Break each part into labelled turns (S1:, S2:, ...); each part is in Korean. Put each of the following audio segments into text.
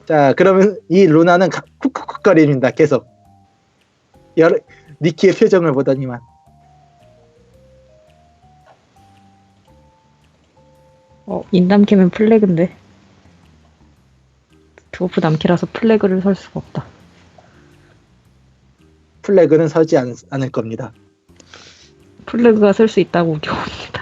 S1: 자, 그러면 이 루나는 쿡쿡쿡거립니다. 계속. 니키의 표정을 보더니만.
S2: 인담캐면 플래그인데. 드워프 남캐라서 플래그를 설 수가 없다.
S1: 플래그는 서지 않을 겁니다.
S2: 플래그가 설 수 있다고 우겨봅니다.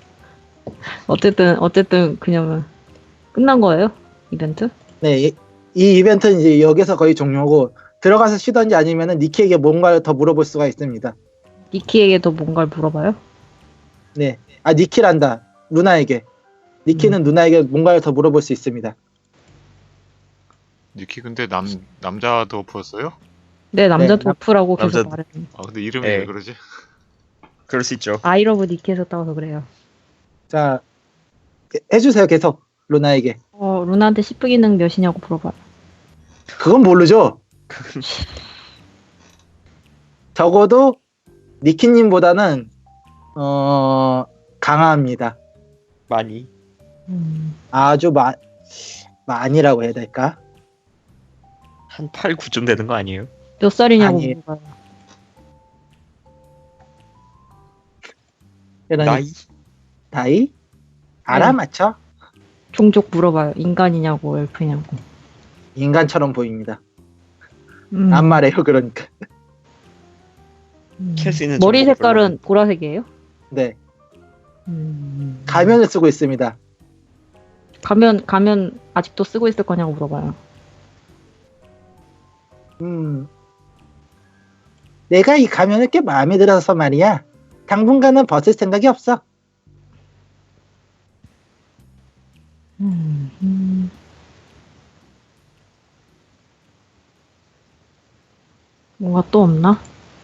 S2: 어쨌든 그냥 끝난 거예요? 이벤트?
S1: 네, 이 이벤트는 이제 여기서 거의 종료고 들어가서 쉬던지 아니면은 니키에게 뭔가를 더 물어볼 수가 있습니다.
S2: 니키에게도 뭔가를 물어봐요?
S1: 네, 니키란다. 루나에게. 니키는 누나에게 뭔가를 더 물어볼 수 있습니다.
S3: 니키 근데 남자 드워프였어요?
S2: 네, 남자
S1: 네,
S2: 드워프라고 계속
S4: 남자-
S2: 말했는데.
S3: 아 근데 이름이
S4: 네.
S3: 왜 그러지?
S4: 그럴 수 있죠.
S2: 아이러브 니키에서 따와서 그래요.
S1: 자, 해주세요. 계속 루나에게.
S2: 루나한테 시프 기능 몇이냐고 물어봐요.
S1: 그건 모르죠. 적어도 니키님보다는 강합니다.
S4: 많이.
S1: 아주 많이라고 해야 될까?
S4: 한 8, 9쯤 되는 거 아니에요?
S2: 몇 살이냐고
S1: 아니에요.
S2: 물어봐요.
S1: 그러니까 나이? 알아맞혀?
S2: 종족 물어봐요. 인간이냐고 엘프냐고.
S1: 인간처럼 보입니다.
S2: 음.
S1: 안 말해요. 그러니까.
S4: 캘수 있는
S2: 머리
S4: 정보가
S2: 색깔은 보라색이에요?
S1: 네. 가면을 쓰고 있습니다.
S2: 가면 아직도 쓰고 있을 거냐고 물어봐요.
S1: 내가 이 가면을 꽤 마음에 들어서 말이야. 당분간은 벗을 생각이 없어.
S2: 뭔가 또 없나?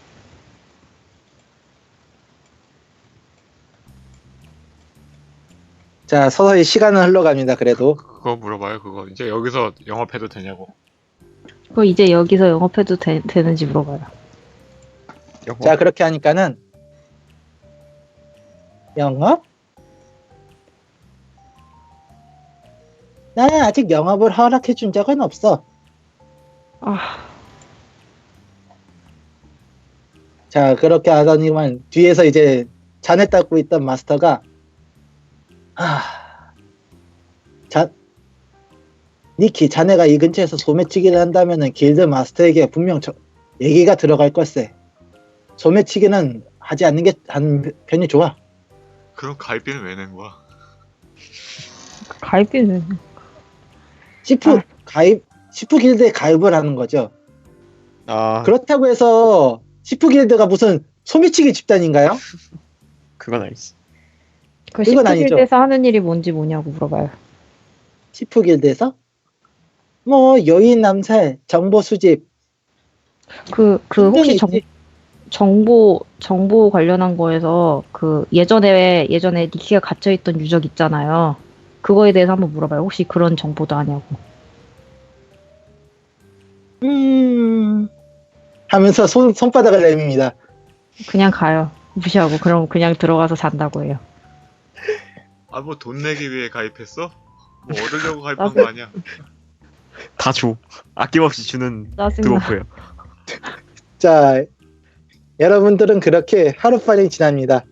S1: 자, 서서히 시간은 흘러갑니다. 그래도.
S3: 그거 물어봐요. 그거 이제 여기서 영업해도 되냐고.
S2: 그거 이제 여기서 영업해도 되는지 물어봐요.
S4: 영어?
S1: 자, 그렇게 하니까는 영업? 나는 아직 영업을 허락해 준 적은 없어. 자, 그렇게 하더니만 뒤에서 이제 잔을 닦고 있던 마스터가 니키, 자네가 이 근처에서 소매치기를 한다면은 길드 마스터에게 분명 얘기가 들어갈 걸세. 소매치기는 하지 않는 편이 좋아.
S3: 그럼 가입비는 왜 낸 거야?
S2: 가입비는
S1: 시프 길드에 가입을 하는 거죠. 그렇다고 해서 시프 길드가 무슨 소매치기 집단인가요?
S4: 그건 아니지.
S2: 그
S1: 그건 아니죠.
S2: 시프길드에서 하는 일이 뭔지 뭐냐고 물어봐요.
S1: 시프 길드에서? 뭐 여인 남살, 정보 수집.
S2: 그 혹시
S1: 있지.
S2: 정보 관련한 거에서 그 예전에 니키가 갇혀있던 유적 있잖아요. 그거에 대해서 한번 물어봐요. 혹시 그런 정보도 아냐고.
S1: 하면서 손바닥을 내밉니다.
S2: 그냥 가요. 무시하고 그럼 그냥 들어가서 잔다고 해요.
S3: 아 뭐 돈 내기 위해 가입했어? 뭐 얻으려고 가입한 거 아니야?
S4: 다 줘. 아낌없이 주는
S2: 짜증나.
S4: 드워프예요.
S1: 자, 여러분들은 그렇게 하루빨리 지납니다.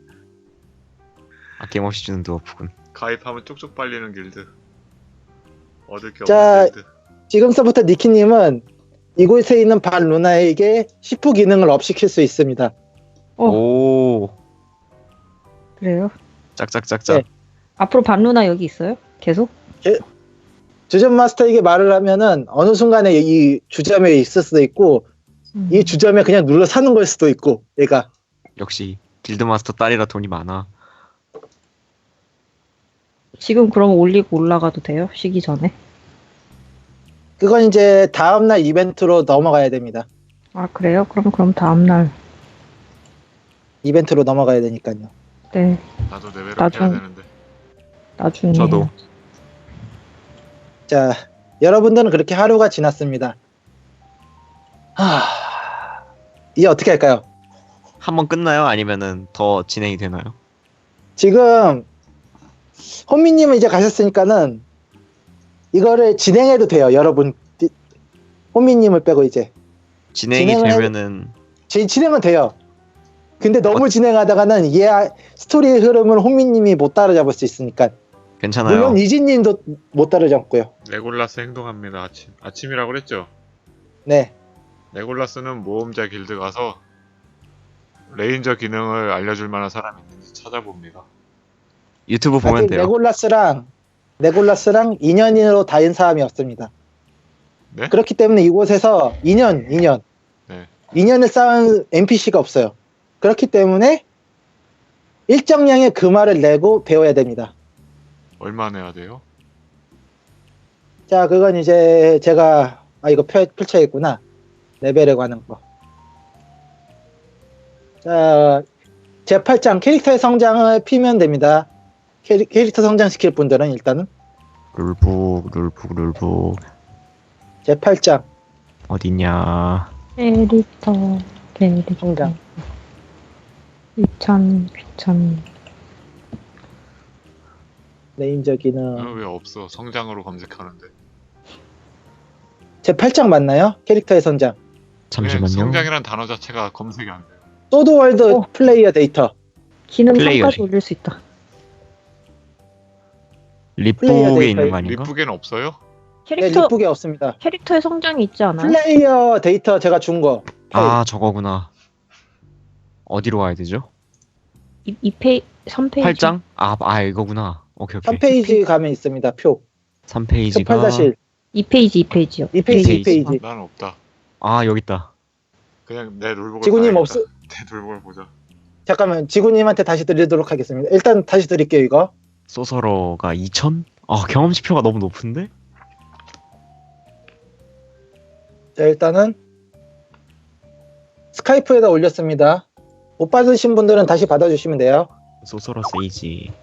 S4: 아낌없이 주는 드워프군.
S3: 가입하면 쪽쪽 빨리는 길드. 얻을 게
S1: 자,
S3: 없는 길드.
S1: 지금서부터 니키님은 이곳에 있는 반 루나에게 시프 기능을 업시킬 수 있습니다.
S4: 오,
S2: 그래요?
S4: 짝짝짝짝.
S1: 네.
S2: 앞으로 반루나 여기 있어요? 계속?
S1: 주점 마스터에게 말을 하면은 어느 순간에 이 주점에 있을 수도 있고 이 주점에 그냥 눌러 사는 걸 수도 있고 얘가.
S4: 역시 길드마스터 딸이라 돈이 많아.
S2: 지금 그럼 올리고 올라가도 돼요? 쉬기 전에?
S1: 그건 이제 다음날 이벤트로 넘어가야 됩니다.
S2: 아 그래요? 그럼 다음날.
S1: 이벤트로 넘어가야 되니까요.
S2: 네.
S3: 나도 레벨업
S2: 나중-
S3: 해야 되는데.
S2: 나중에.
S4: 저도.
S1: 자, 여러분들은 그렇게 하루가 지났습니다. 이제 어떻게 할까요?
S4: 한 번 끝나요? 아니면은 더 진행이 되나요?
S1: 지금 혼미님은 이제 가셨으니까는 이거를 진행해도 돼요, 여러분. 호미님을 빼고 이제
S4: 진행이
S1: 진행을
S4: 되면은
S1: 진행은 돼요. 근데 너무 진행하다가는 스토리의 흐름을 호미님이 못 따라잡을 수 있으니까.
S4: 괜찮아요.
S1: 물론 이진님도 못 따라잡고요.
S3: 레골라스 행동합니다. 아침이라고 그랬죠?
S1: 네.
S3: 레골라스는 모험자 길드 가서 레인저 기능을 알려줄 만한 사람이 있는지 찾아봅니다.
S4: 유튜브 보면
S1: 아직
S4: 돼요.
S1: 레골라스랑 인연으로 닿은 사람이 없습니다.
S3: 네?
S1: 그렇기 때문에 이곳에서 인연
S3: 네.
S1: 인연을 쌓은 NPC가 없어요. 그렇기 때문에 일정량의 금화를 내고 배워야 됩니다.
S3: 얼마 내야 돼요?
S1: 자, 그건 이제 제가 이거 펼쳐야겠구나. 레벨에 관한 거. 자, 제8장 캐릭터의 성장을 피면 됩니다. 캐릭터 성장시킬 분들은 일단은
S4: 룰북
S1: 제8장
S4: 어딨냐?
S2: 캐릭터
S1: 성장.
S2: 귀찮.
S1: 레인저 기능.
S3: 왜 없어? 성장으로 검색하는데.
S1: 제8장 맞나요? 캐릭터의 성장.
S4: 잠시만요.
S3: 성장이란 단어 자체가 검색이 안 돼요.
S1: 소드월드 플레이어 데이터.
S2: 기능
S4: 플레이어링.
S2: 3까지 올릴 수 있다.
S1: 플레이어
S4: 립북에
S1: 데이터.
S4: 있는 거 아닌가?
S3: 립북에는 없어요?
S1: 네,
S2: 캐릭터
S1: 리프게 없습니다.
S2: 캐릭터의 성장이 있지 않아요?
S1: 플레이어 데이터 제가 준 거.
S4: 아 저거구나. 어디로 가야 되죠?
S2: 3페이지.
S4: 8장? 아 이거구나. 오케이.
S1: 3페이지 가면 있습니다. 표.
S4: 3페이지가
S1: 18-1.
S2: 2페이지요.
S1: 2페이지.
S3: 나는 없다.
S4: 아 여기 있다.
S3: 그냥 내 룰북을
S1: 지구님
S3: 봐야겠다.
S1: 없어.
S3: 내 룰북을 보자.
S1: 잠깐만, 지구님한테 다시 드리도록 하겠습니다. 일단 다시 드릴게요, 이거.
S4: 소서러가 2000? 아 경험치표가 너무 높은데?
S1: 자, 일단은 스카이프에다 올렸습니다. 못 받으신 분들은 다시 받아주시면 돼요.
S4: 소서러 세이지.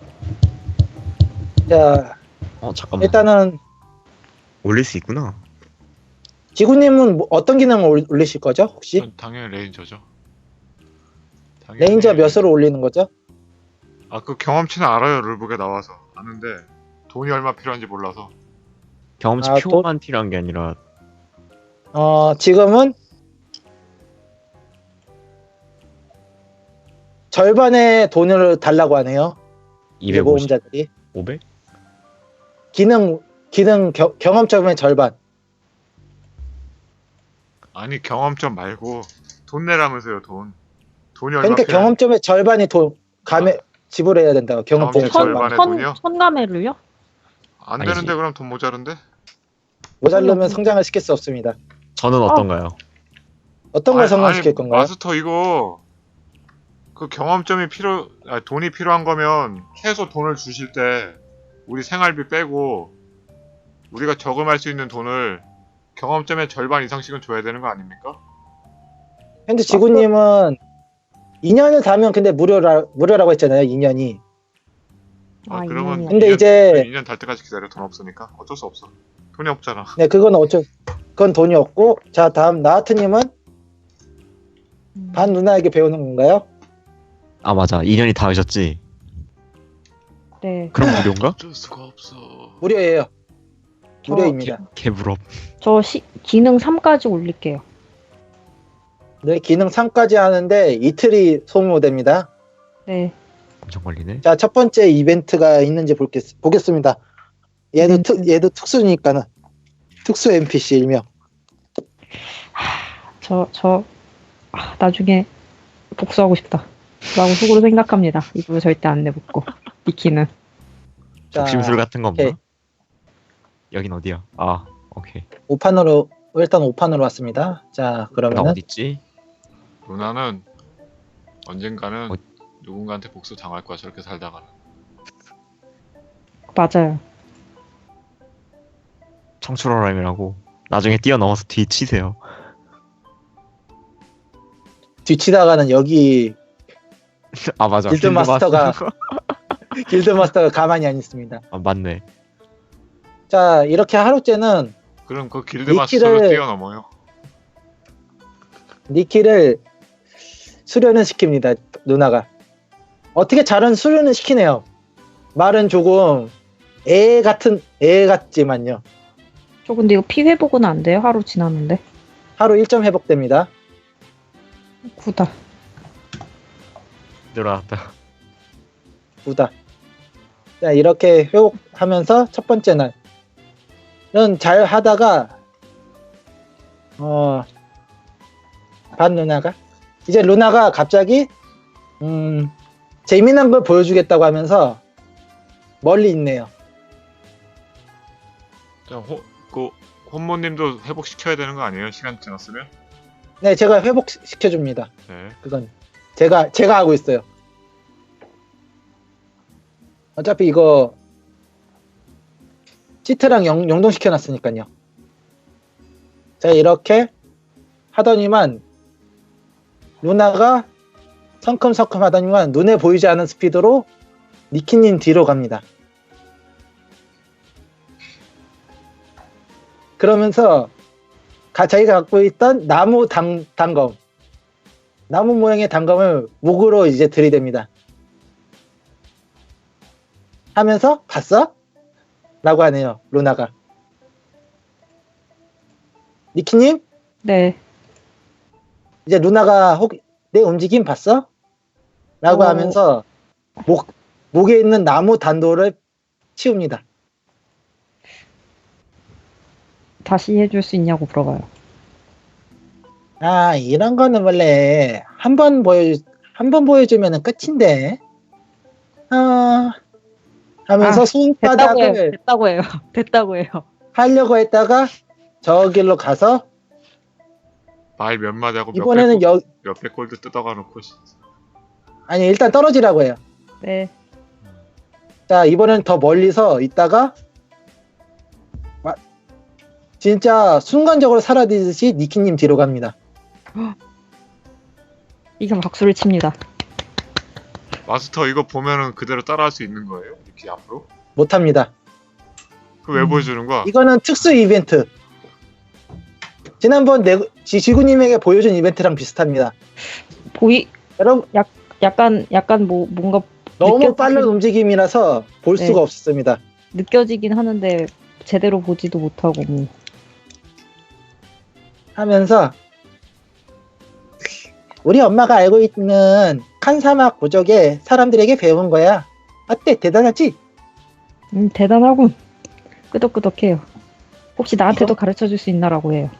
S1: 자,
S4: 잠깐만.
S1: 일단은
S4: 올릴 수 있구나.
S1: 지구님은 어떤 기능을 올리실 거죠, 혹시?
S3: 전 당연히 레인저죠. 당연히
S1: 레인저 몇으로 올리는 거죠?
S3: 그 경험치는 알아요. 룰북에 나와서 아는데 돈이 얼마 필요한지 몰라서.
S4: 경험치표만 필요한 게 아니라
S1: 지금은 절반의 돈을 달라고 하네요.
S4: 250,
S1: 모험자들이
S4: 500?
S1: 기능 경험점의 절반.
S3: 아니 경험점 말고 돈 내라면서요. 돈이 얼마
S1: 그러니까
S3: 필요한-
S1: 경험점의 절반이 지불해야 된다고. 경험점의
S3: 경험점
S1: 절반.
S3: 절반의 돈이요?
S2: 천가매를요?
S3: 안
S4: 아니지.
S3: 되는데 그럼 돈 모자른데?
S1: 모자르면 성장을 시킬 수 없습니다.
S4: 저는 어떤가요?
S1: 어떤 걸 성장시킬 건가요?
S3: 마스터 이거 그 경험점이 돈이 필요한 거면 최소 돈을 주실 때 우리 생활비 빼고 우리가 저금할 수 있는 돈을 경험점의 절반 이상씩은 줘야 되는 거 아닙니까?
S1: 현재 지구님은 2년을 다면 근데 무료라고 했잖아요. 2년이.
S3: 그러면
S2: 인연이야.
S1: 근데 이제
S3: 2년 달 때까지 기다려. 돈 없으니까 어쩔 수 없어. 돈이 없잖아.
S1: 네, 그건 돈이 없고. 자, 다음 나하트님은 반 누나에게 배우는 건가요?
S4: 아 맞아. 2년이 닿으셨지?
S2: 네.
S4: 그럼 무료인가?
S3: 어쩔 수가 없어.
S1: 무료예요. 무료입니다.
S4: 개부럽.
S2: 저 기능 3까지 올릴게요.
S1: 네, 기능 3까지 하는데 이틀이 소모됩니다.
S2: 네.
S4: 엄청 걸리네.
S1: 자, 첫 번째 이벤트가 있는지 보겠습니다. 얘도 특수니까는. 특수 NPC 일명.
S2: 나중에 복수하고 싶다. 라고 속으로 생각합니다. 이거 절대 안 내붙고. 니키는.
S1: 자,
S4: 적심술 같은 거 없나?
S1: 오케이.
S4: 여긴 어디야? 아 오케이.
S1: 일단 5판으로 왔습니다. 자,
S4: 나
S1: 그러면은
S4: 어딨지?
S3: 누나는 언젠가는
S4: 어-
S3: 누군가한테 복수 당할 거야. 저렇게 살다가는.
S2: 맞아요.
S4: 청출어람이라고 나중에 뛰어넘어서 뒤치세요.
S1: 뒤치다가는 여기
S4: 아 맞아.
S1: 길드 마스터가
S4: 마스터.
S1: 길드 마스터가 가만히 안 있습니다.
S4: 아 맞네.
S1: 자, 이렇게 하루째는
S3: 그럼 그 길드
S1: 니키를-
S3: 마스터를 뛰어넘어요.
S1: 니키를 수련을 시킵니다. 누나가. 어떻게 잘은 수련을 시키네요. 말은 조금 애 같지만요.
S2: 저 근데 이거 피 회복은 안 돼요? 하루 지났는데.
S1: 하루 1점 회복됩니다.
S2: 구다.
S4: 늘어났다.
S1: 부다. 자, 이렇게 회복하면서 첫 번째 날은 잘 하다가 반 루나가 이제 루나가 갑자기 재미난 걸 보여주겠다고 하면서 멀리 있네요.
S3: 자, 그 혼모님도 회복시켜야 되는 거 아니에요? 시간 지났으면?
S1: 네, 제가 회복시켜 줍니다.
S3: 네.
S1: 그건 제가 하고 있어요. 어차피 이거 시트랑 영동시켜 놨으니까요. 자, 이렇게 하더니만 루나가 성큼성큼 하더니만 눈에 보이지 않는 스피드로 니키님 뒤로 갑니다. 그러면서 자기가 갖고 있던 나무 단검, 나무 모양의 단검을 목으로 이제 들이댑니다. 하면서 봤어? 라고 하네요, 루나가. 니키님?
S2: 네.
S1: 이제 루나가 내 움직임 봤어? 라고 하면서 목에 있는 나무 단도를 치웁니다.
S2: 다시 해줄 수 있냐고 물어봐요.
S1: 아, 이런 거는 원래 한 번 보여주면 끝인데. 하면서 손바닥을
S2: 됐다고 해요. 됐다고 해요.
S1: 하려고 했다가 저 길로 가서
S3: 말 몇 마디 하고
S1: 이번에는
S3: 몇백 골드 뜯어가 놓고
S1: 아니, 일단 떨어지라고 해요.
S2: 네.
S1: 자, 이번엔 더 멀리서 있다가 진짜 순간적으로 사라지듯이 니키님 뒤로 갑니다.
S2: 이건 박수를 칩니다.
S3: 마스터 이거 보면은 그대로 따라할 수 있는 거예요? 이렇게 앞으로?
S1: 못합니다.
S3: 그 왜 보여주는 거야?
S1: 이거는 특수 이벤트. 지난번 지구님에게 보여준 이벤트랑 비슷합니다. 여러분,
S2: 약간 뭔가
S1: 너무 빠른 움직임이라서 볼
S2: 네.
S1: 수가 없습니다.
S2: 느껴지긴 하는데 제대로 보지도 못하고
S1: 하면서 우리 엄마가 알고 있는 칸사막 부족의 사람들에게 배운 거야. 어때? 대단하지?
S2: 대단하군. 끄덕끄덕해요. 혹시 나한테도 가르쳐 줄 수 있나라고 해요.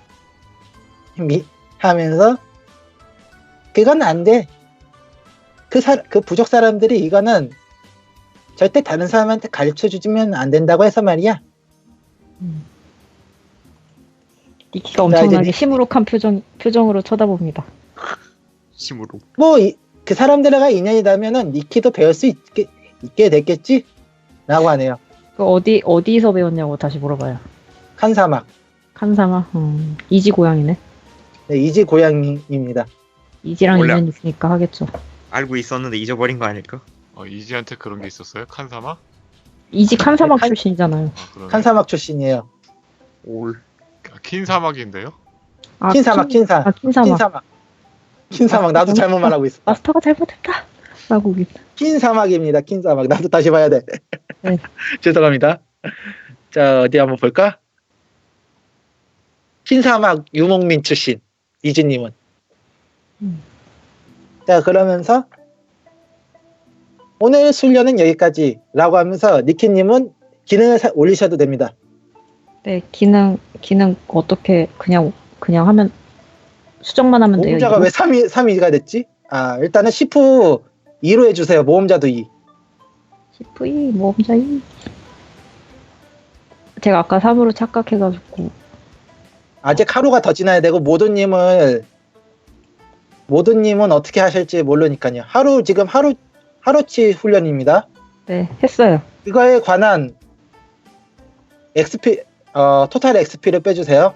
S1: 하면서 그건 안 돼. 그 부족 사람들이 이거는 절대 다른 사람한테 가르쳐 주면 안 된다고 해서 말이야.
S2: 니키가 엄청나게 시무룩한 표정으로 쳐다봅니다.
S4: 심으로.
S1: 뭐 그 사람들과 인연이라면은 니키도 배울 수 있게 됐겠지? 라고 하네요.
S2: 그 어디서 배웠냐고 다시 물어봐요.
S1: 칸사막.
S2: 칸사마. 이지 고양이네.
S1: 네, 이지 고양이입니다.
S2: 이지랑
S4: 몰라.
S2: 인연 있으니까 하겠죠.
S4: 알고 있었는데 잊어버린 거 아닐까?
S3: 이지한테 그런 게 있었어요? 칸사마?
S2: 이지 칸사막
S1: 네,
S2: 출신이잖아요.
S3: 그러네.
S1: 칸사막 출신이에요.
S4: 올.
S3: 킨사막인데요?
S1: 킨사막.
S2: 킨사막.
S1: 킨사막. 나도 잘못 말하고 있어.
S2: 마스터가 잘못했다. 라고
S1: 킨사막입니다. 킨사막. 나도 다시 봐야 돼.
S2: 네.
S1: 죄송합니다. 자, 어디 한번 볼까? 킨사막 유목민 출신 이지님은. 자, 그러면서 오늘 훈련은 여기까지라고 하면서 니키님은 기능을 올리셔도 됩니다.
S2: 네, 기능 어떻게 그냥 하면 수정만 하면 돼요.
S1: 모험자가
S2: 이거?
S1: 왜 3위가 됐지? 아, 일단은 시프 2로 해주세요. 모험자도 2.
S2: 시프 2, 모험자 2. 제가 아까 3으로 착각해가지고.
S1: 아직 하루가 더 지나야 되고 모두님은 어떻게 하실지 모르니까요. 지금 하루치 훈련입니다.
S2: 네, 했어요.
S1: 이거에 관한 토탈 XP를 빼주세요.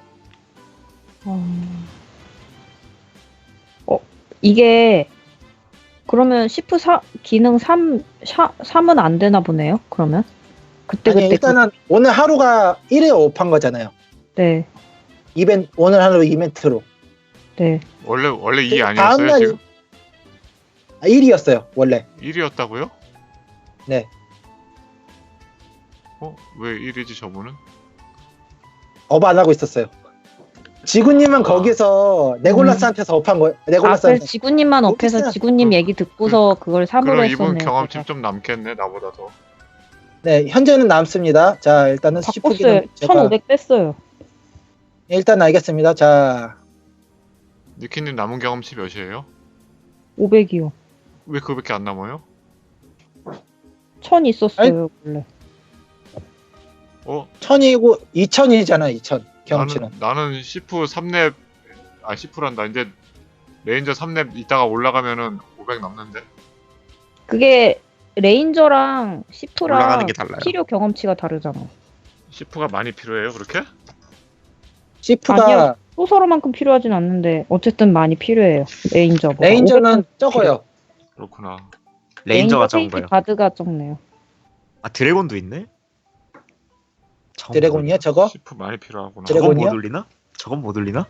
S2: 이게 그러면 시프 기능 3은 안 되나 보네요. 그러면
S1: 아니, 일단은 오늘 하루가 1회 업한 거잖아요.
S2: 네,
S1: 오늘 하루 이벤트로.
S2: 네.
S3: 원래 2 아니었어요
S1: 다음날
S3: 지금?
S1: 1이었어요 원래.
S3: 1이었다고요?
S1: 네.
S3: 왜 1이지 저분은?
S1: 업 안 하고 있었어요. 지구님은 거기서 네골라스한테서 업한 거예요.
S2: 아,
S1: 네골라스한테.
S2: 그래서 지구님만 업해서
S1: 어딨어요?
S2: 지구님 얘기 듣고서 그걸 3으로
S3: 그럼 이분
S2: 했었네요.
S3: 경험치 좀 남겠네 나보다 더.
S1: 네, 현재는 남습니다. 자, 일단은
S2: 바꿨어요.
S1: 시프기는 제가
S2: 1500 뺐어요.
S1: 일단 알겠습니다. 자,
S3: 니키님 남은 경험치 몇이에요?
S2: 500이요.
S3: 왜 그거밖에 안 남아요?
S2: 1000 있었어요, 원래.
S1: 1000이고 2000이잖아, 2000 경험치는.
S3: 나는 시프 3렙 시프란다. 이제 레인저 3렙 있다가 올라가면은 500 남는데.
S2: 그게 레인저랑 시프랑
S4: 올라가는 게 달라요.
S2: 필요 경험치가 다르잖아.
S3: 시프가 많이 필요해요 그렇게?
S1: 시프가
S2: 아니요. 소서로만큼 필요하진 않는데 어쨌든 많이 필요해요. 레인저보다.
S1: 레인저는
S2: 500
S1: 적어요.
S3: 그렇구나.
S4: 레인저가
S2: 레인저
S4: 적은
S2: 페이지
S4: 거예요.
S2: 바드가 적네요.
S4: 아 드래곤도 있네? 저건
S1: 드래곤이요, 저거?
S3: 시프 많이 필요하구나.
S1: 드래곤-
S4: 저건 못
S1: 드래곤이요?
S4: 올리나? 저건 못 올리나?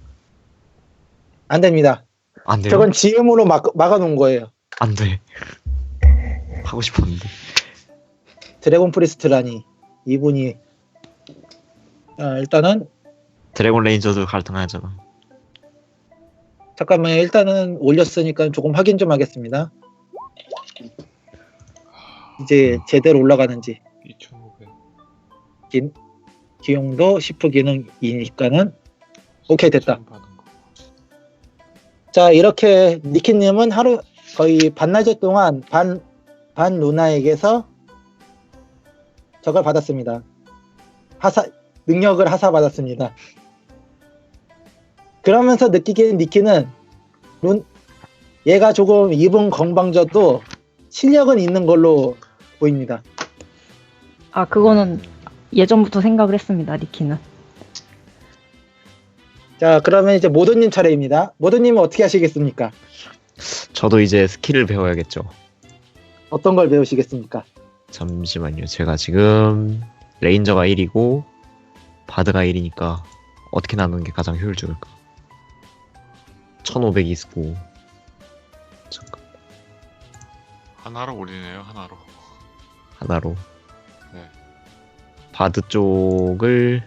S1: 안 됩니다.
S4: 안 돼요?
S1: 저건 지음으로 막아놓은 거예요.
S4: 안 돼. 하고 싶었는데.
S1: 드래곤 프리스트라니 이분이 일단은
S4: 드래곤 레인저도 갈등하잖아.
S1: 잠깐만요. 일단은 올렸으니까 조금 확인 좀 하겠습니다. 이제 제대로 올라가는지
S3: 2,500.
S1: 기용도 시프 기능이니까는 오케이 됐다.
S3: 받은 거.
S1: 자 이렇게 니키님은 하루 거의 반나절 동안 반 루나에게서 저걸 받았습니다. 능력을 하사받았습니다. 그러면서 느끼기엔 니키는 얘가 조금 입은 건방져도 실력은 있는 걸로 보입니다.
S2: 아, 그거는 예전부터 생각을 했습니다, 리키는.
S1: 자 그러면 이제 모더님 차례입니다. 모더님은 어떻게 하시겠습니까?
S4: 저도 이제 스킬을 배워야겠죠.
S1: 어떤 걸 배우시겠습니까?
S4: 잠시만요. 제가 지금 레인저가 1이고 바드가 1이니까 어떻게 나누는 게 가장 효율적일까? 1500이 있고 잠깐
S3: 하나로 올리네요 하나로.
S4: 하나로
S3: 네.
S4: 바드 쪽을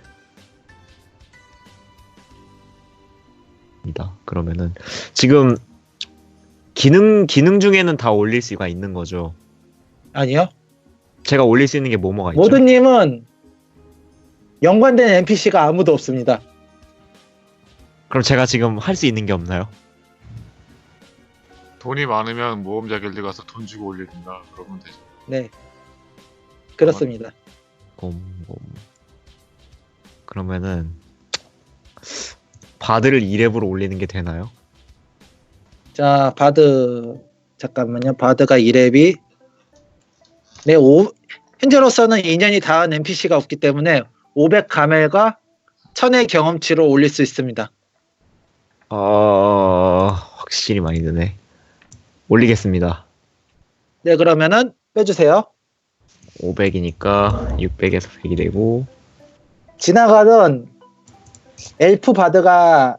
S4: 이다. 그러면은 지금 기능 중에는 다 올릴 수가 있는 거죠.
S1: 아니요.
S4: 제가 올릴 수 있는 게 뭐가 있죠?
S1: 모더님은 연관된 NPC가 아무도 없습니다.
S4: 그럼 제가 지금 할 수 있는 게 없나요?
S3: 돈이 많으면 모험자 길드 가서 돈 주고 올려준다. 그러면 되죠.
S1: 네. 그렇습니다.
S4: 곰. 그러면은 바드를 2렙으로 올리는 게 되나요?
S1: 자, 바드 잠깐만요. 바드가 2렙이 네, 현재로서는 2년이 닿은 NPC가 없기 때문에 500 가멜과 1000의 경험치로 올릴 수 있습니다.
S4: 확실히 많이 드네. 올리겠습니다.
S1: 네, 그러면은 빼주세요.
S4: 500이니까 600에서 100이 되고
S1: 지나가던 엘프 바드가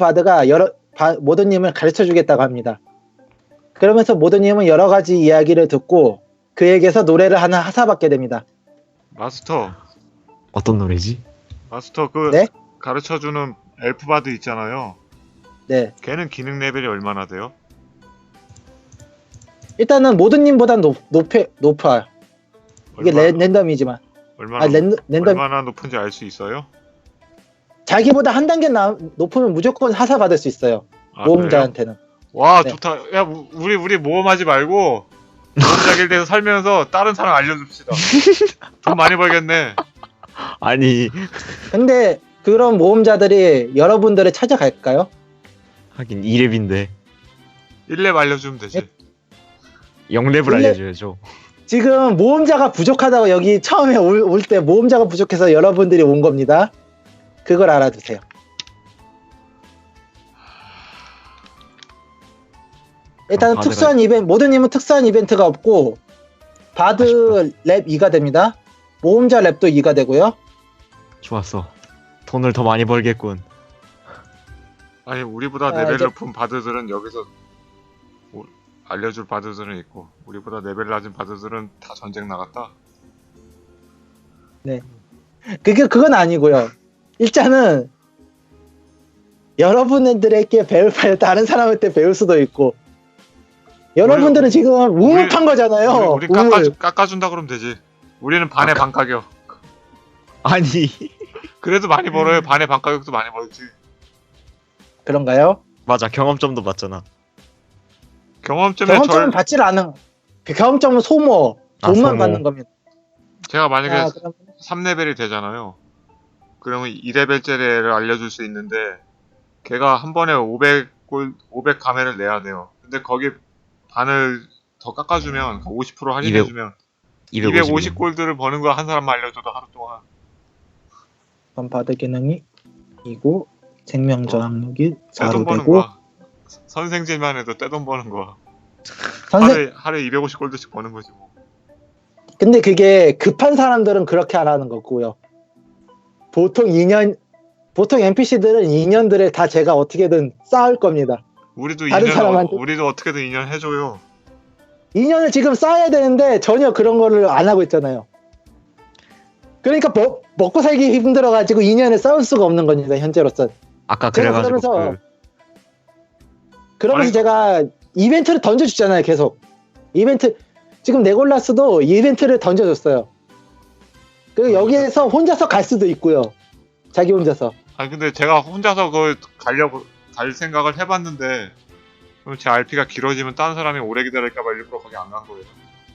S1: 모더님을 가르쳐 주겠다고 합니다. 그러면서 모더님은 여러 가지 이야기를 듣고 그에게서 노래를 하나 하사받게 됩니다.
S3: 마스터
S4: 어떤 노래지?
S3: 그
S1: 네?
S3: 가르쳐주는 엘프바드 있잖아요.
S1: 네.
S3: 걔는 기능 레벨이 얼마나 돼요?
S1: 일단은 모더님보다 높아요. 이게 랜덤이지만.
S3: 얼마나,
S1: 랜덤.
S3: 얼마나 높은지 알 수 있어요?
S1: 자기보다 한 단계 높으면 무조건 하사받을 수 있어요.
S3: 아,
S1: 모험자한테는.
S3: 그래요? 와
S1: 네.
S3: 좋다. 야 우리 모험하지 말고 모험자 길드에서 살면서 다른 사람 알려줍시다. 돈 많이 벌겠네.
S4: 아니
S1: 근데 그런 모험자들이 여러분들을 찾아갈까요?
S4: 하긴 2렙인데
S3: 1렙 알려주면 되지.
S4: 0렙을
S1: 1렙?
S4: 알려줘야죠.
S1: 지금 모험자가 부족하다고 여기 처음에 올 때 모험자가 부족해서 여러분들이 온 겁니다. 그걸 알아두세요. 일단은
S4: 바드가-
S1: 특수한 이벤트, 모드님은 특수한 이벤트가 없고 바드 랩 2가 됩니다. 모험자 랩도 2가 되고요.
S4: 좋았어. 돈을 더 많이 벌겠군.
S3: 아니 우리보다
S1: 자,
S3: 레벨
S1: 이제-
S3: 높은 바드들은 여기서 알려줄 바드들은 있고 우리보다 레벨 낮은 바드들은 다 전쟁 나갔다.
S1: 그건 아니고요. 일단은 여러분들에게 배울 바에 다른 사람한테 배울 수도 있고 여러분들은 지금 우물판 거잖아요.
S3: 우리
S1: 우물.
S3: 깎아준다 그러면 되지. 우리는 반의 반 가격.
S4: 아니
S3: 그래도 많이 벌어요. 반의 반 가격도 많이 벌지.
S1: 그런가요?
S4: 맞아 경험점도 맞잖아.
S3: 경험점에
S1: 경험점은 받질 않은 그 경험점은 소모
S4: 아,
S1: 돈만
S4: 소모.
S1: 받는 겁니다.
S3: 제가 만약에
S1: 아, 그럼
S3: 3레벨이 되잖아요. 그러면 2레벨짜리를 알려줄 수 있는데 걔가 한 번에 500 가면을 내야 돼요. 근데 거기 반을 더 깎아주면 50% 할인해주면 250 골드를 버는 거 한 사람만 알려줘도 하루 동안.
S1: 바드 기능이 이고 생명 저항력이
S3: 떼돈
S1: 4로
S3: 버는
S1: 되고
S3: 거야. 선생질만 해도 떼돈 버는 거야.
S1: 선생
S3: 하루에 250 골드씩 버는 거지 뭐.
S1: 근데 그게 급한 사람들은 그렇게 안 하는 거고요. 보통 NPC들은 2년들을 다 제가 어떻게든 쌓을 겁니다.
S3: 우리도
S1: 다른
S3: 2년
S1: 사람한테?
S3: 우리도 어떻게든 2년 해줘요.
S1: 2년을 지금 쌓아야 되는데 전혀 그런 거를 안 하고 있잖아요. 그러니까 먹고 살기 힘들어가지고 2년을 쌓을 수가 없는 겁니다. 현재로서.
S4: 아까
S1: 제가
S4: 그래가지고
S1: 그러면서
S3: 아니,
S1: 제가 이벤트를 던져주잖아요. 계속. 이벤트 지금 네골라스도 이벤트를 던져줬어요. 그리고 여기에서 혼자서 갈 수도 있고요. 자기 혼자서.
S3: 아니 근데 제가 혼자서 그걸 갈 생각을 해봤는데 그럼 제 RP가 길어지면 다른 사람이 오래 기다릴까봐 일부러 거기 안 간 거예요.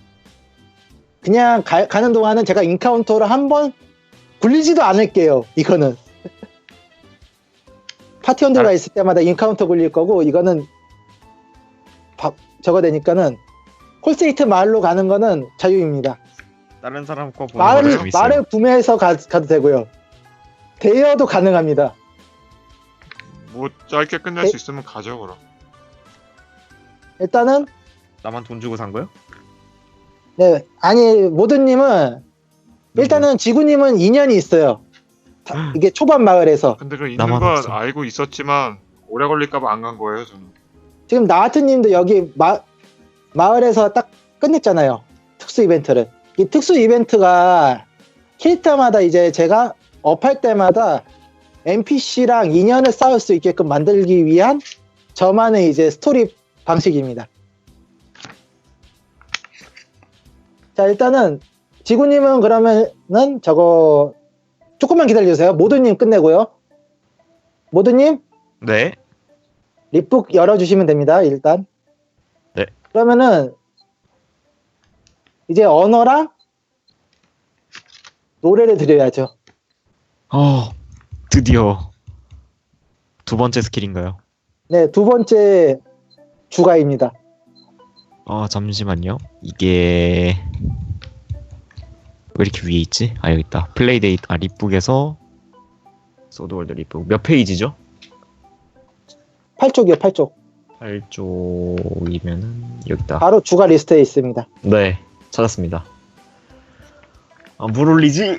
S1: 그냥 가는 동안은 제가 인카운터를 한번 굴리지도 않을게요. 이거는 파티원들과 있을 때마다 인카운터 굴릴 거고 이거는 저거 되니까는 콜세이트 마을로 가는 거는 자유입니다.
S4: 다른 사람 거 보는 거 재밌어요.
S1: 말을 구매해서 가도 되고요. 대여도 가능합니다.
S3: 뭐 짧게 끝낼 수 있으면 가죠 그럼.
S1: 일단은
S4: 나만 돈 주고 산 거요?
S1: 네 아니 모드님은 일단은 지구님은 2년이 있어요. 이게 초반 마을에서
S3: 근데 그 있는
S4: 나만
S3: 건
S4: 없어.
S3: 알고 있었지만 오래 걸릴까봐 안 간 거예요 저는.
S1: 지금 나하트님도 여기 마을에서 딱 끝냈잖아요. 특수 이벤트를. 이 특수 이벤트가 캐릭터마다 이제 제가 업할 때마다 NPC랑 인연을 쌓을 수 있게끔 만들기 위한 저만의 이제 스토리 방식입니다. 자 일단은 지구님은 그러면은 저거 조금만 기다려주세요. 모드님 끝내고요. 모드님
S4: 네.
S1: 립북 열어주시면 됩니다. 일단.
S4: 네.
S1: 그러면은 이제 언어랑 노래를 드려야죠.
S4: 드디어 두 번째 스킬인가요?
S1: 네, 두 번째 주가입니다.
S4: 잠시만요. 이게 왜 이렇게 위에 있지? 아 여기 있다. 플레이데이트 립북에서 소드월드 립북 몇 페이지죠?
S1: 8쪽이요, 8쪽.
S4: 8쪽이면은 여기 있다.
S1: 바로 주가 리스트에 있습니다.
S4: 네, 찾았습니다. 물 올리지?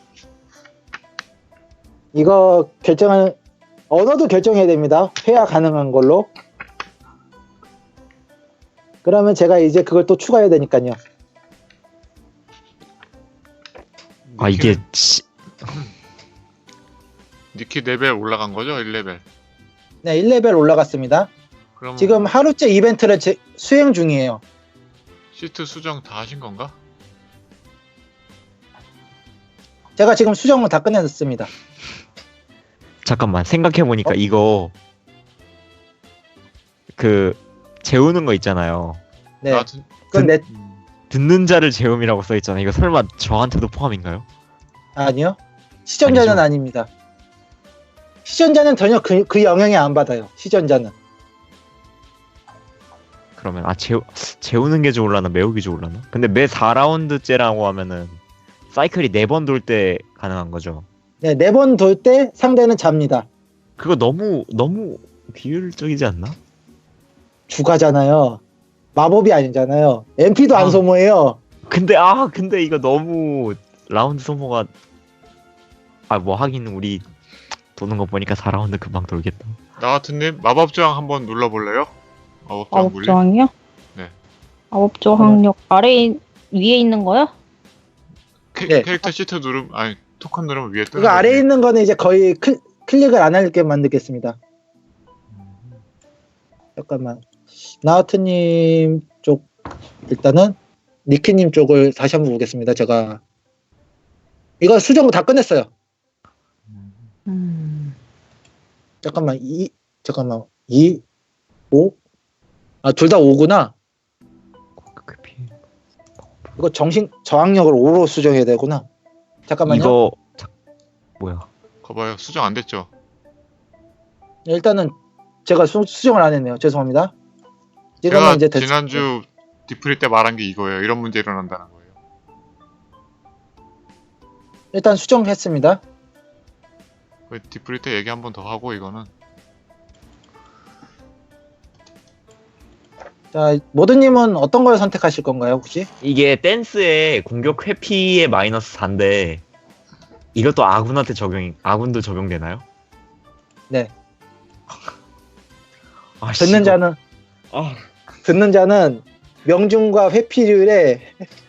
S1: 이거 언어도 결정해야 됩니다. 회화 가능한 걸로. 그러면 제가 이제 그걸 또 추가해야 되니까요.
S4: 이게
S3: 니키 레벨 올라간 거죠? 1레벨.
S1: 네, 1레벨 올라갔습니다.
S3: 그럼
S1: 지금 하루째 이벤트를 수행 중이에요.
S3: 시트 수정 다 하신 건가?
S1: 제가 지금 수정을 다 끝냈습니다.
S4: 잠깐만 생각해보니까 이거 재우는 거 있잖아요.
S1: 네,
S3: 나한테-
S1: 그건
S4: 듣는 자를 재움이라고 써있잖아요. 이거 설마 저한테도 포함인가요?
S1: 아니요. 시전자는
S4: 아니죠.
S1: 아닙니다. 시전자는 전혀 그 영향이 안 받아요. 시전자는.
S4: 그러면 재우는 게 좋을라나 매우기 좋을라나? 근데 매 4라운드째라고 하면은 사이클이 4번 돌 때 가능한 거죠.
S1: 네, 4번 돌 때 상대는 잡니다.
S4: 그거 너무 비효율적이지 않나?
S1: 주가잖아요. 마법이 아니잖아요. MP도 안 소모해요.
S4: 근데 이거 너무 라운드 소모가 뭐 하긴 우리 도는 거 보니까 4라운드 금방 돌겠다.
S3: 나같은님 마법 저항 한번 눌러볼래요? 마법 저항
S2: 마법
S3: 물리?
S2: 저항이요?
S3: 네.
S2: 마법 저항력 위에 있는 거요?
S1: 네.
S3: 캐릭터 시트 누르면 아니 토큰 누르면 위에 뜨는
S1: 이거 아래에
S3: 거지.
S1: 있는 거는 이제 거의 클릭을 안 하게 만들겠습니다. 잠깐만. 나우트님 쪽 일단은 니키님 쪽을 다시 한번 보겠습니다. 제가 이거 수정 다 끝냈어요. 잠깐만 2 5 둘 다 5구나. 이거 정신 저항력을 5로 수정해야 되구나. 잠깐만요.
S4: 이거 뭐야?
S3: 거봐요. 수정 안 됐죠?
S1: 일단은 제가 수정을 안 했네요. 죄송합니다.
S3: 제가
S1: 이거는 이제 됐
S3: 지난주 디프리 때 말한 게 이거예요. 이런 문제 일어난다는 거예요.
S1: 일단 수정했습니다.
S3: 그 디프리 때 얘기 한 번 더 하고 이거는
S1: 자, 모드님은 어떤 걸 선택하실 건가요, 혹시?
S4: 이게 댄스의 공격 회피의 마이너스 4인데 이것도 아군도 적용되나요?
S1: 네.
S4: 아,
S1: 듣는 자는
S4: 아,
S1: 듣는 자는 명중과 회피율에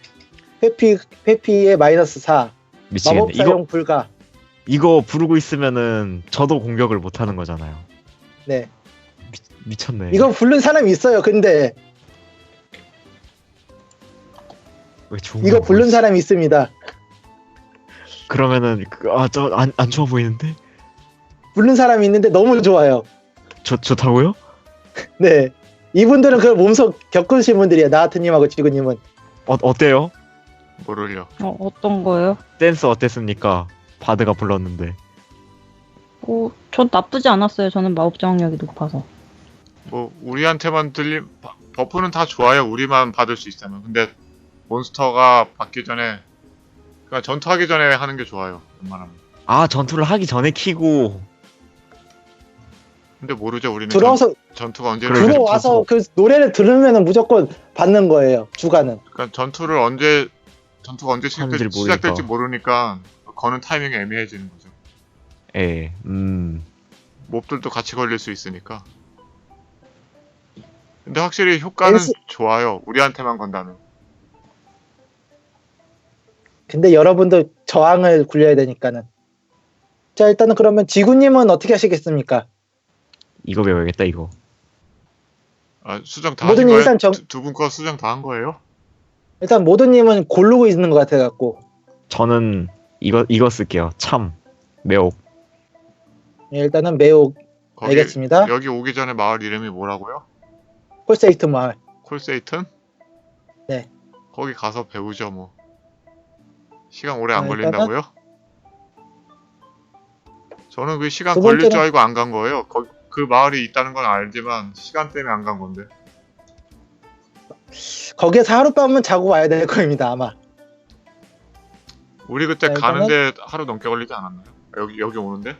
S1: 회피의 마이너스 4,
S4: 미치겠네.
S1: 마법 사용 불가.
S4: 이거 부르고 있으면은 저도 공격을 못 하는 거잖아요.
S1: 네.
S4: 미쳤네.
S1: 이거 부른 사람이 있어요. 근데
S4: 왜 좋은
S1: 이거
S4: 거야,
S1: 부른
S4: 뭐지?
S1: 사람이 있습니다.
S4: 그러면은 저 안 좋아 보이는데?
S1: 부른 사람이 있는데 너무 좋아요.
S4: 좋다고요?
S1: 네. 이분들은 그걸 몸소 겪으신 분들이에요. 나하트님하고 지구님은.
S4: 어때요?
S3: 모를요.
S2: 어떤 거요?
S4: 댄스 어땠습니까? 바드가 불렀는데.
S2: 전 나쁘지 않았어요. 저는 마법 저항력이 높아서.
S3: 뭐 우리한테만 들린 버프는 다 좋아요. 우리만 받을 수 있다면. 근데 몬스터가 받기 전에 그러니까 전투하기 전에 하는 게 좋아요. 웬만하면.
S4: 아, 전투를 하기 전에 키고.
S3: 근데 모르죠. 우리는
S1: 들어와서
S3: 전투가 언제
S4: 그래,
S3: 일어날지.
S1: 들어와서 그 노래를 들으면은 무조건 받는 거예요. 주가는.
S3: 그러니까 전투가 언제
S4: 하는지를
S3: 시작될지 모르니까 거는 타이밍이 애매해지는 거죠.
S4: 예.
S3: 몹들도 같이 걸릴 수 있으니까. 근데 확실히 효과는
S1: 댄스-
S3: 좋아요. 우리한테만 건다면.
S1: 근데 여러분도 저항을 굴려야 되니까는. 자, 일단은 그러면 지구님은 어떻게 하시겠습니까?
S4: 이거 배워야겠다, 이거.
S3: 아, 수정 다
S1: 모든
S3: 하신 거예요?
S1: 일단
S3: 두 분 거 수정 다 한 거예요?
S1: 일단 모드님은 고르고 있는 것 같아갖고.
S4: 저는 이거 쓸게요. 매혹.
S1: 예, 일단은 매우
S3: 거기,
S1: 알겠습니다.
S3: 여기 오기 전에 마을 이름이 뭐라고요?
S1: 콜세이트 마을.
S3: 콜세이튼?
S1: 네.
S3: 거기 가서 배우죠 뭐. 시간 오래 안
S1: 일단은-
S3: 걸린다고요? 저는 그 시간
S1: 두
S3: 걸릴 줄
S1: 번째는-
S3: 알고 안 간 거예요. 그 마을이 있다는 건 알지만 시간 때문에 안 간 건데.
S1: 거기에서 하룻밤은 자고 와야 될 겁니다, 아마.
S3: 우리 그때
S1: 자, 일단은-
S3: 가는데 하루 넘게 걸리지 않았나요? 여기 오는데?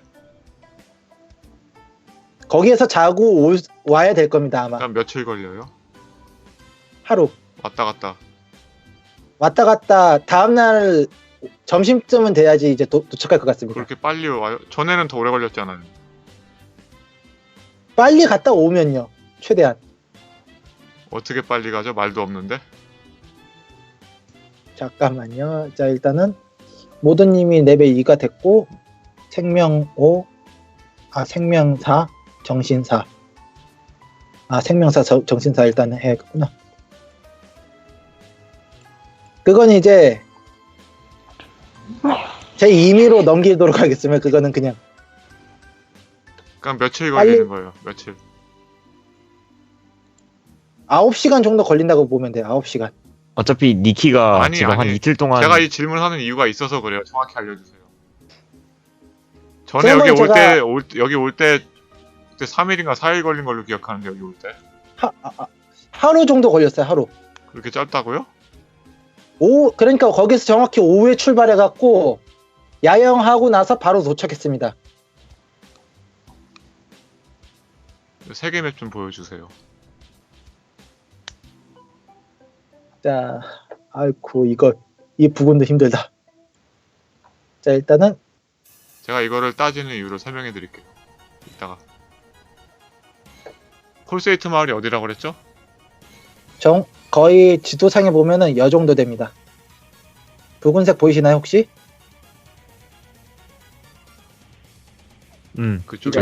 S1: 거기에서 자고 와야 될 겁니다, 아마.
S3: 그럼 며칠 걸려요?
S1: 하루.
S3: 왔다 갔다.
S1: 왔다 갔다 다음날 점심쯤은 돼야지 이제 도착할 것 같습니다.
S3: 그렇게 빨리 와요? 전에는 더 오래 걸렸잖아요.
S1: 빨리 갔다 오면요. 최대한.
S3: 어떻게 빨리 가죠? 말도 없는데?
S1: 잠깐만요. 자, 일단은 모드님이 레벨 2가 됐고 생명 5, 생명 4, 정신 4. 생명 4, 정신 4 일단은 해야겠구나. 그건 이제 제 임의로 넘기도록 하겠습니다. 그거는 그냥
S3: 그럼 며칠
S1: 빨리-
S3: 걸리는 거예요? 며칠?
S1: 9시간 정도 걸린다고 보면 돼요. 9시간.
S4: 어차피 니키가
S3: 아니,
S4: 지금 한
S3: 아니.
S4: 이틀 동안
S3: 제가 이 질문하는 이유가 있어서 그래요. 정확히 알려주세요. 전에
S1: 그러면
S3: 여기
S1: 제가-
S3: 여기 올 때 그때 3일인가 4일 걸린 걸로 기억하는데 여기 올 때
S1: 하루 정도 걸렸어요. 하루.
S3: 그렇게 짧다고요?
S1: 그러니까 거기서 정확히 오후에 출발해갖고 야영하고 나서 바로 도착했습니다.
S3: 세계 맵 좀 보여주세요.
S1: 자, 아이쿠 이 부분도 힘들다. 자, 일단은
S3: 제가 이거를 따지는 이유를 설명해 드릴게요. 이따가. 콜세이트 마을이 어디라고 그랬죠?
S1: 거의 지도상에 보면은 여 정도 됩니다. 붉은색 보이시나요 혹시?
S3: 그쪽에